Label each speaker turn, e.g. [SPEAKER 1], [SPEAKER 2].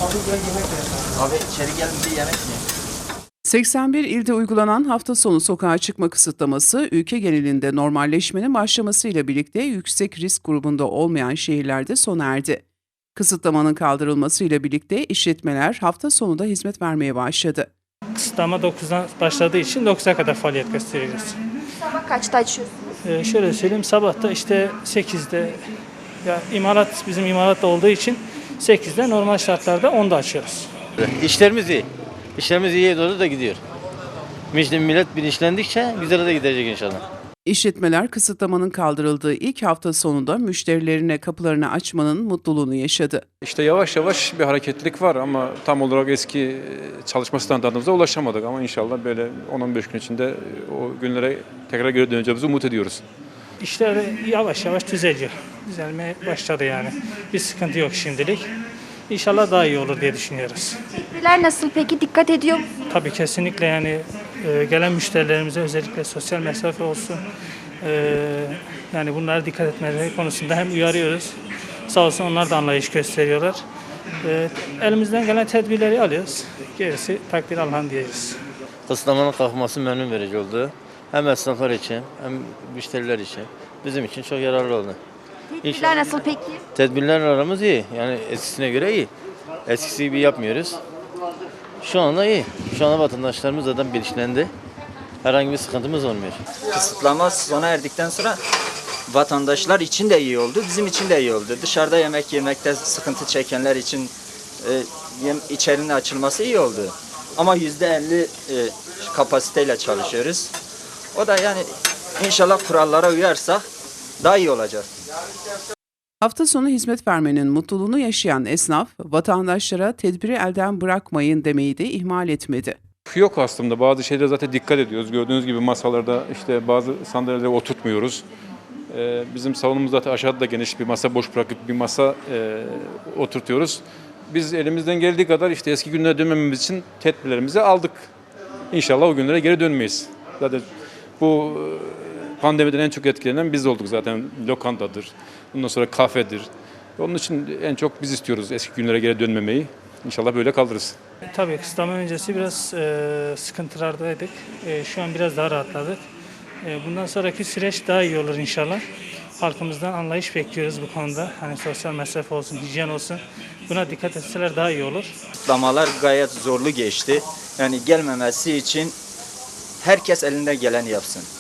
[SPEAKER 1] Abi içeri gel bir yemek mi?
[SPEAKER 2] 81 ilde uygulanan hafta sonu sokağa çıkma kısıtlaması, ülke genelinde normalleşmenin başlamasıyla birlikte yüksek risk grubunda olmayan şehirlerde sona erdi. Kısıtlamanın kaldırılmasıyla birlikte işletmeler hafta sonu da hizmet vermeye başladı.
[SPEAKER 3] Kısıtlama 9'dan başladığı için 9'a kadar faaliyet gösteriyoruz.
[SPEAKER 4] Sabah kaçta açıyorsunuz?
[SPEAKER 3] Şöyle söyleyeyim, sabahta işte 8'de, ya bizim imalatta olduğu için 8'de, normal şartlarda 10'da açıyoruz.
[SPEAKER 5] İşlerimiz iyi. İşlerimiz iyiye doğru da gidiyor. Millet bilinçlendikçe güzel de gidecek inşallah.
[SPEAKER 2] İşletmeler kısıtlamanın kaldırıldığı ilk hafta sonunda müşterilerine kapılarını açmanın mutluluğunu yaşadı.
[SPEAKER 6] İşte yavaş yavaş bir hareketlilik var ama tam olarak eski çalışma standartımıza ulaşamadık. Ama inşallah böyle 10-15 gün içinde o günlere tekrar geri döneceğimizi umut ediyoruz.
[SPEAKER 3] İşler yavaş yavaş düzeliyor. Düzelmeye başladı yani. Bir sıkıntı yok şimdilik. İnşallah daha iyi olur diye düşünüyoruz.
[SPEAKER 4] Tedbirler nasıl peki? Dikkat ediyor musunuz?
[SPEAKER 3] Tabii kesinlikle yani gelen müşterilerimize özellikle sosyal mesafe olsun. Yani bunlara dikkat etmeleri konusunda hem uyarıyoruz. Sağ olsun onlar da anlayış gösteriyorlar. Elimizden gelen tedbirleri alıyoruz. Gerisi takdir Allah'ın diyeceğiz.
[SPEAKER 5] Kısıtlamanın kalkması memnun verici oldu. Hem esnaflar için hem müşteriler için. Bizim için çok yararlı oldu.
[SPEAKER 4] Tedbirler nasıl peki?
[SPEAKER 5] Tedbirler aramız iyi. Yani eskisine göre iyi. Eskisi gibi yapmıyoruz. Şu anda iyi. Şu anda vatandaşlarımız zaten bilinçlendi. Herhangi bir sıkıntımız olmuyor.
[SPEAKER 1] Kısıtlama sona erdikten sonra vatandaşlar için de iyi oldu, bizim için de iyi oldu. Dışarıda yemek yemekte sıkıntı çekenler için içerinin açılması iyi oldu. Ama %50 kapasiteyle çalışıyoruz. O da yani inşallah kurallara uyarsak daha iyi olacak.
[SPEAKER 2] Hafta sonu hizmet vermenin mutluluğunu yaşayan esnaf, vatandaşlara tedbiri elden bırakmayın demeyi de ihmal etmedi.
[SPEAKER 6] Yok aslında bazı şeylere zaten dikkat ediyoruz. Gördüğünüz gibi masalarda işte bazı sandalyeleri oturtmuyoruz. Bizim salonumuz zaten aşağıda da geniş bir masa boş bırakıp bir masa oturtuyoruz. Biz elimizden geldiği kadar işte eski günlere dönmememiz için tedbirlerimizi aldık. İnşallah o günlere geri dönmeyiz. Zaten bu pandemiden en çok etkilenen biz olduk zaten. Lokantadır, bundan sonra kafedir. Onun için en çok biz istiyoruz eski günlere geri dönmemeyi. İnşallah böyle kalırız.
[SPEAKER 3] Tabii kısıtlama öncesi biraz sıkıntılardaydık. Şu an biraz daha rahatladık. Bundan sonraki süreç daha iyi olur inşallah. Halkımızdan anlayış bekliyoruz bu konuda. Hani sosyal mesafe olsun, hijyen olsun. Buna dikkat etseler daha iyi olur.
[SPEAKER 1] Kısıtlamalar gayet zorlu geçti. Yani gelmemesi için herkes elinden geleni yapsın.